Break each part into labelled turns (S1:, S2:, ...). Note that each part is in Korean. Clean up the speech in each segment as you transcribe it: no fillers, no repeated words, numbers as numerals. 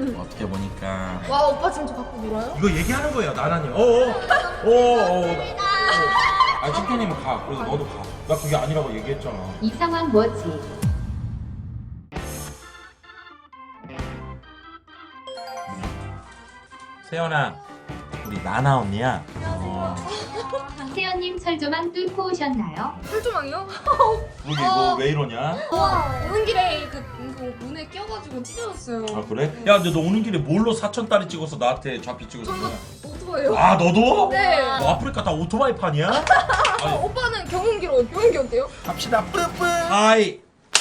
S1: 어떻게 보니까
S2: 와 오빠 지금 저 갖고 놀아요?
S1: 이거 얘기하는 거예요 나나님. 아 챔피언님은 가. 그래서 너도 가. 나 그게 아니라고 얘기했잖아.
S3: 이 상황 뭐지?
S1: 세연아, 우리 나나 언니야.
S3: 세연님 철조망 뚫고 오셨나요?
S2: 철조망이요?
S1: 그게 이거 왜 이러냐?
S2: 오는 길에 그 문에 끼어가지고 찢어졌어요.
S1: 아 그래? 야 근데 너 오는 길에 뭘로 4,000달러 찍어서 나한테 좌피 찍어준 거야?
S2: 오토바이요?
S1: 아 너도?
S2: 네.
S1: 너 아프리카 다 오토바이 판이야? 아니,
S2: 오빠는 경운기로 경운기 어때요?
S1: 갑시다 뿌뿌. 하이.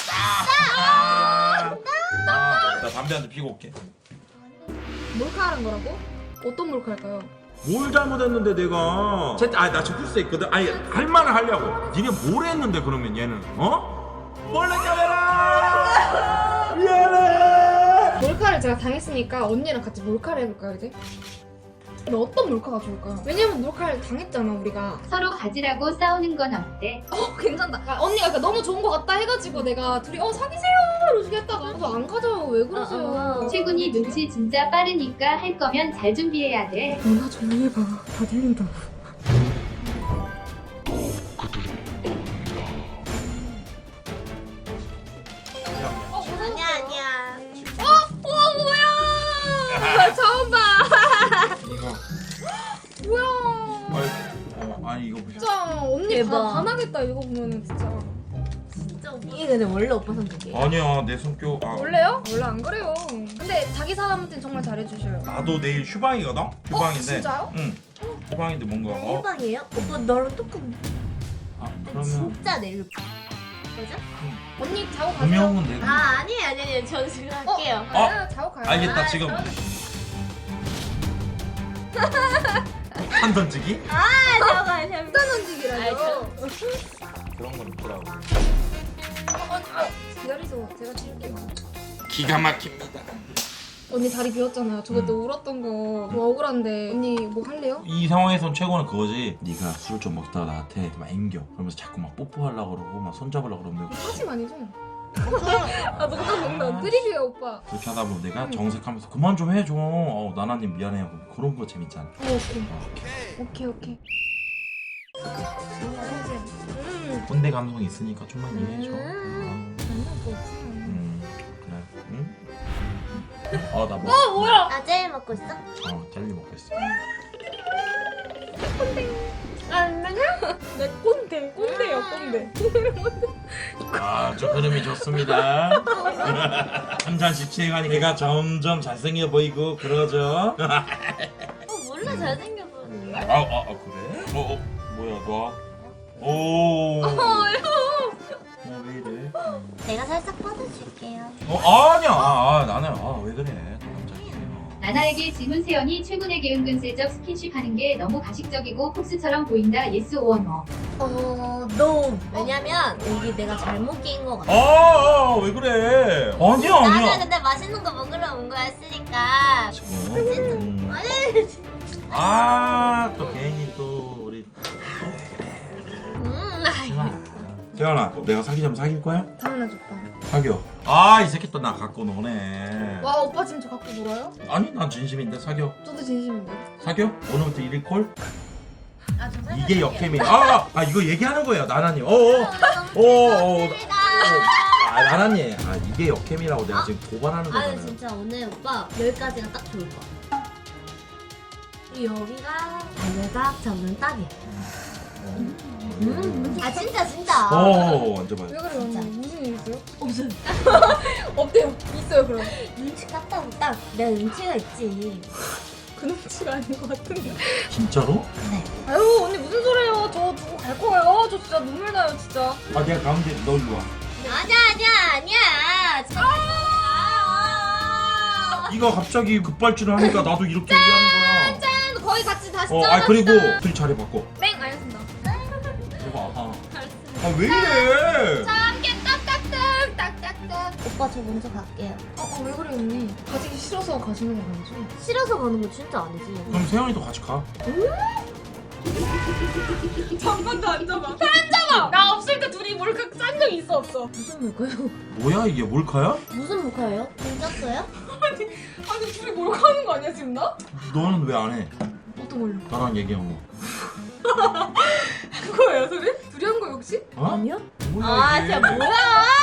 S1: 나 담배 한 대 피고 올게.
S2: 몰카하는 거라고? 어떤 몰카일까요?
S1: 뭘 잘못했는데 내가? 나 지풀 수 있거든. 아니 할 말을 하려고. 니네 뭘 했는데 그러면 얘는 몰래 카메라. 미안해.
S2: 몰카를 제가 당했으니까 언니랑 같이 몰카를 해볼까요 이제? 근데 어떤 몰카가 좋을까요? 왜냐면 몰카를 당했잖아 우리가.
S3: 서로 가지라고 싸우는 건 어때?
S2: 괜찮다. 그러니까 언니가 그러니까 너무 좋은 거 같다 해가지고 내가 둘이 사귀세요 이러고 했다가 그래서 안 가져요. 왜 그러세요?
S3: 최군이 눈치 진짜 빠르니까 할 거면 잘 준비해야 돼.
S2: 너나 조용히 해봐. 다 들린다고.
S4: 아니야.
S2: 뭐야? 처음 봐.
S1: 이거.
S2: 뭐야?
S1: 아니 이거 보자.
S2: 진짜 언니
S4: 대박.
S2: 반하겠다 이거 보면은 진짜.
S4: 이게 근데 원래 오빠 성격이에요?
S1: 아니야 내 성격.
S2: 원래요? 원래 안 그래요. 근데 자기 사람한테 정말 잘해주셔요.
S1: 나도 내일 휴방이거든. 휴방인데.
S2: 진짜요?
S1: 응. 휴방인데 뭔가.
S4: 일방이에요? 오빠 너랑 똑같은
S1: 그러면
S4: 진짜 내일 뭐죠?
S2: 언니 자고 가세요.
S1: 분명은 내가.
S4: 아니에요 저 지금 할게요.
S2: 아, 자고 가요.
S1: 알겠다 지금. 한 던지기?
S4: 잠깐만
S2: 일단 던지기라죠.
S1: 그런 건 있더라고.
S2: 기다리세요. 제가 찍을게요.
S1: 기가 막힙니다.
S2: 언니 자리 비웠잖아요. 저 그때 울었던 거 좀 억울한데 언니 뭐 할래요?
S1: 이 상황에선 최고는 그거지. 네가 술 좀 먹다가 나한테 막 앵겨. 그러면서 자꾸 막 뽀뽀하려고 그러고 막 손잡으려고 그러면
S2: 사심 아니죠? 아 너무 농담. 드립이에요 오빠.
S1: 그렇게 하다 보면 내가 정색하면서 그만 좀 해줘. 나나님 미안해요. 그런 거 재밌잖아.
S2: 오케이.
S1: 꼰대 감성이 있으니까 좀만 이해해줘. 그래. 응? 나 뭐?
S2: 뭐야?
S4: 나 제일 먹고 있어?
S1: 젤리 먹겠어.
S2: 내 꼰대요 꼰대.
S1: 저 흐름이 좋습니다. 한 잔씩 취해가니 걔가 점점 잘생겨 보이고 그러죠.
S4: 몰라 잘생겨서.
S1: 그래? 뭐야 너? 왜 이래?
S4: 내가 살짝 뻗어줄게요.
S1: 아니야. 나는 왜 그래? 너 남자예요.
S3: 나나에게 질문 세연이 최군에게 은근슬쩍 스킨십 하는 게 너무 가식적이고 폭스처럼 보인다. 예스 오어 노.
S4: 너 왜냐면 여기 내가 잘못 낀 거 같아.
S1: 왜 그래? 아니야.
S4: 나는 근데 맛있는 거 먹으러 온 거였으니까.
S1: 지금. 또 괜히 또 우리. 세연아, 내가 사귀자면 사귈 거야?
S2: 당연하죠 오빠.
S1: 사겨. 이 새끼 또 나 갖고 노네.
S2: 와 오빠 지금 저 갖고 놀아요?
S1: 아니, 난 진심인데 사겨.
S2: 저도 진심인데.
S1: 사겨? 오늘부터 1일 콜?
S4: 저
S1: 이게 역캠이야. 이거 얘기하는 거예요, 나나님. 나나님. 이게 역캠이라고 내가 지금 고발하는 거잖아요.
S4: 진짜 오늘 오빠 여기까지가 딱 좋을 거야. 그리고 여기가 달걀밥 잡는 딱이야. 진짜.
S1: 앉아봐요.
S2: 왜 그래요 언니? 무슨 일 있어요?
S4: 없어요.
S2: 없대요. 있어요 그럼.
S4: 눈치 깠다고 딱 내가 눈치가 있지.
S2: 그 눈치가 아닌 것 같은데.
S1: 진짜로?
S4: 네.
S2: 아유 언니 무슨 소리예요? 저 두고 갈 거예요. 저 진짜 눈물 나요 진짜.
S1: 내가 가운데 너 일로 와.
S4: 아니야.
S1: 이거 갑자기 급발진을 하니까 나도 이렇게 얘기하는 거야.
S2: 짠 거의 같이 다시
S1: 그리고 둘이 자리 바꿔.
S2: 뺑 알겠습니다.
S1: 해봐. 왜 이래?
S2: 함께 딱딱딱.
S4: 오빠 저 먼저 갈게요.
S2: 왜 그래 언니? 가지기 싫어서 가시는 거 아니죠?
S4: 싫어서 가는 거 진짜 아니지.
S1: 그럼 세연이도 같이 가.
S2: 잠깐도 안 잡아. 나 없을 때 둘이 몰카 짠 적 있어 없어?
S4: 무슨 몰카요?
S1: 뭐야 이게 몰카야?
S4: 무슨 몰카예요? 돈 짰어요?
S2: 아니 둘이 몰카하는 거 아니야 지금 나?
S1: 너는 왜 안 해?
S2: 어떤 걸로?
S1: 나랑 얘기한 거.
S2: 한 거예요 소리? 둘이 한 거예요 혹시?
S1: 어?
S4: 아니야?
S1: 뭐야,
S4: 아
S1: 이게?
S4: 진짜 뭐야?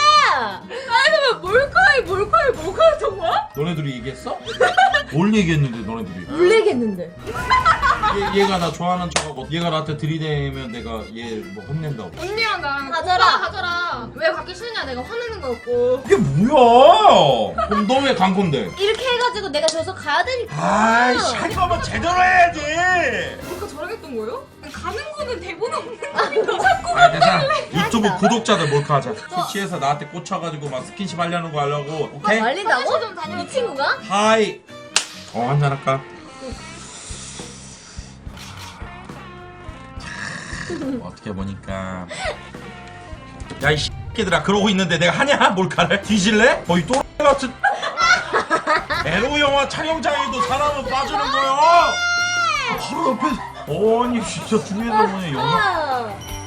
S2: 몰카했던 거야?
S1: 너네들이 얘기했어? 뭘 얘기했는데 너네들이?
S4: 뭘 얘기했는데?
S1: 얘가 나 좋아하는 척하고 얘가 나한테 들이대면 내가 얘 뭐 혼낸다고.
S2: 언니랑 나랑
S4: 가져라.
S2: 오빠 가져라. 왜 갖기 싫냐 내가 화내는 거였고.
S1: 이게 뭐야? 그럼 너 왜 간 건데?
S4: 이렇게 해가지고 내가 저기서 가야 되니까.
S1: 아이씨 할 거면 제대로 해야지.
S2: 몰카 저랑 했던 거예요? 가는 거는 대본 없는 거니까 자꾸.
S1: 아 괜찮아. 유튜브 구독자들 몰카하자. 술 취해서 나한테 꽂혀가지고 막 스킨십 하려는 거 하려고. 오케이?
S4: 말린다고?
S2: 좀 다녀올게요.
S4: 이 친구가?
S1: 하이. 한잔 할까? 어떻게 보니까 야 이 새끼들아 그러고 있는데 내가 하냐 몰카를? 뒤질래? 거의 또 같은 에로 영화 촬영장에도 사람은 빠지는 거야 바로 옆에 아니 진짜 둘이서 보니 영화
S4: 아.